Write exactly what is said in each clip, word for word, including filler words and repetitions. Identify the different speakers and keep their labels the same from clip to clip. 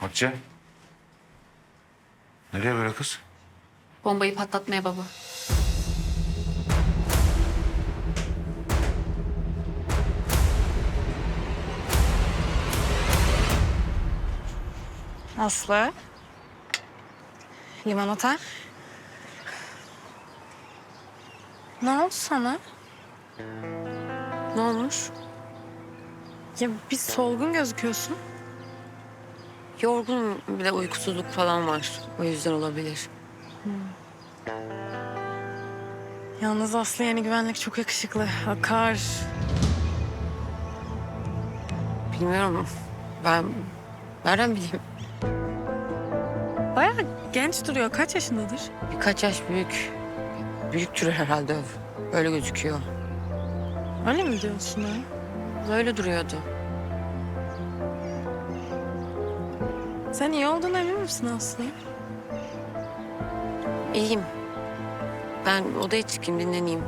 Speaker 1: Hatice. Nereye böyle kız?
Speaker 2: Bombayı patlatmaya baba.
Speaker 3: Aslı. Limonata. Ne oldu sana?
Speaker 2: Ne olmuş?
Speaker 3: Ya bir solgun gözüküyorsun.
Speaker 2: Yorgun, bir de uykusuzluk falan var. O yüzden olabilir.
Speaker 3: Yalnız Aslı yeni güvenlik çok yakışıklı. Akar.
Speaker 2: Bilmiyorum. Ben nereden bileyim?
Speaker 3: Bayağı genç duruyor. Kaç yaşındadır?
Speaker 2: Birkaç yaş büyük. Büyüktür herhalde. Öyle gözüküyor.
Speaker 3: Öyle mi diyorsun ha?
Speaker 2: Öyle duruyordu.
Speaker 3: Sen iyi olduğuna emin misin Aslı?
Speaker 2: İyiyim. Ben odaya çıkayım, dinleneyim.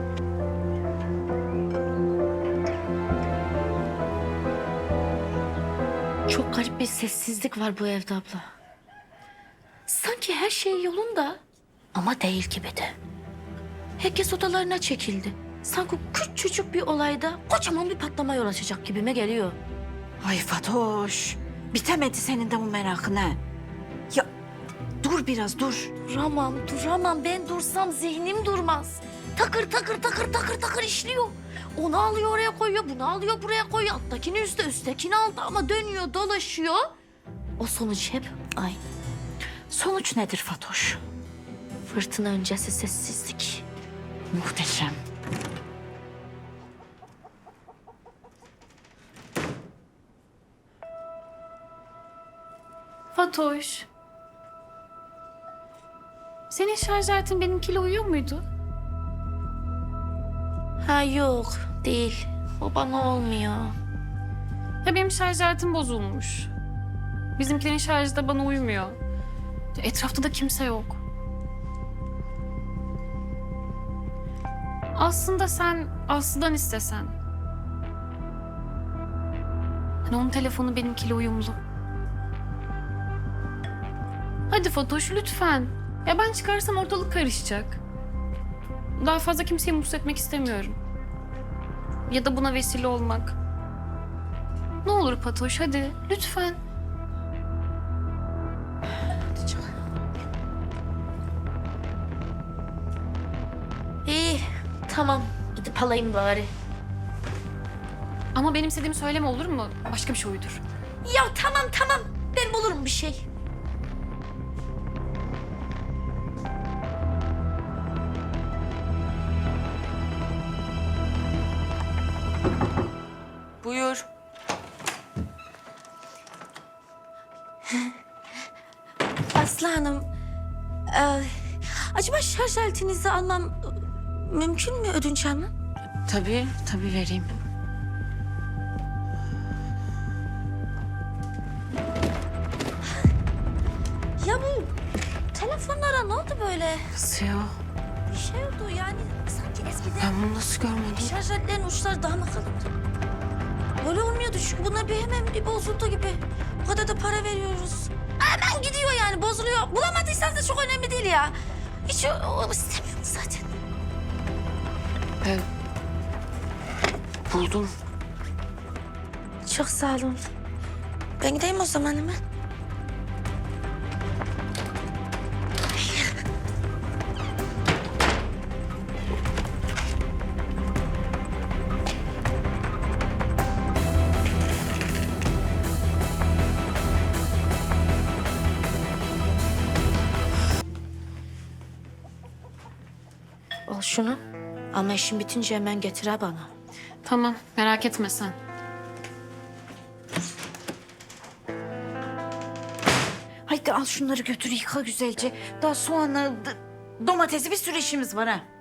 Speaker 4: Çok garip bir sessizlik var bu evde abla. Sanki her şey yolunda ama değil gibi de. Herkes odalarına çekildi. Sanki küçücük bir olayda kocaman bir patlama yol açacak gibime geliyor.
Speaker 5: Ay Fatoş, bitemedi senin de bu merakın ha. Ya dur biraz dur.
Speaker 4: Duramam, duramam. Ben dursam zihnim durmaz. Takır takır takır takır takır işliyor. Onu alıyor oraya koyuyor, bunu alıyor buraya koyuyor. Alttakini üstte, üsttekini altta ama dönüyor, dolaşıyor. O sonuç hep aynı.
Speaker 5: Sonuç nedir Fatoş?
Speaker 4: Fırtına öncesi sessizlik.
Speaker 5: Muhteşem.
Speaker 6: Fatoş. Senin şarj aletin benimkiyle uyuyor muydu?
Speaker 4: Ha yok, değil. O bana olmuyor.
Speaker 6: Ya benim şarj aletim bozulmuş. Bizimkilerin şarjı da bana uymuyor. Etrafta da kimse yok. Aslında sen Aslı'dan istesen. Hani onun telefonu benimkiyle uyumlu. Hadi Fatoş lütfen. Ya ben çıkarsam ortalık karışacak. Daha fazla kimseyi mutsuz etmek istemiyorum. Ya da buna vesile olmak. Ne olur Fatoş hadi lütfen.
Speaker 4: İyi, tamam. Gidip alayım bari.
Speaker 6: Ama benim istediğimi söyleme olur mu? Başka bir şey uydur.
Speaker 4: Ya tamam tamam. Ben bulurum bir şey.
Speaker 2: Buyur.
Speaker 4: Aslı Hanım, e, acaba şarj aletinizi almam e, mümkün mü ödünç almam?
Speaker 2: Tabii, tabii vereyim.
Speaker 4: Ya bu telefonlara ne oldu böyle?
Speaker 2: Nasıl ya?
Speaker 4: Bir şey oldu yani sanki eskiden
Speaker 2: Ben bunu nasıl görmedim?
Speaker 4: şarj aletlerinin uçları daha mı kalındı? Böyle olmuyordu çünkü bunlar bir hemen bir bozuldu gibi. Bu kadar da para veriyoruz. Hemen gidiyor yani bozuluyor. Bulamadıysanız da çok önemli değil ya. Hiç o, o istemiyorum zaten.
Speaker 2: Ben buldum.
Speaker 4: Çok sağ olun. Ben gideyim o zaman hemen. Al şunu. Ama işin bitince hemen getir ha bana.
Speaker 6: Tamam merak etme sen.
Speaker 5: Haydi al şunları götür yıka güzelce. Daha soğanla d- domatesi bir sürü işimiz var ha.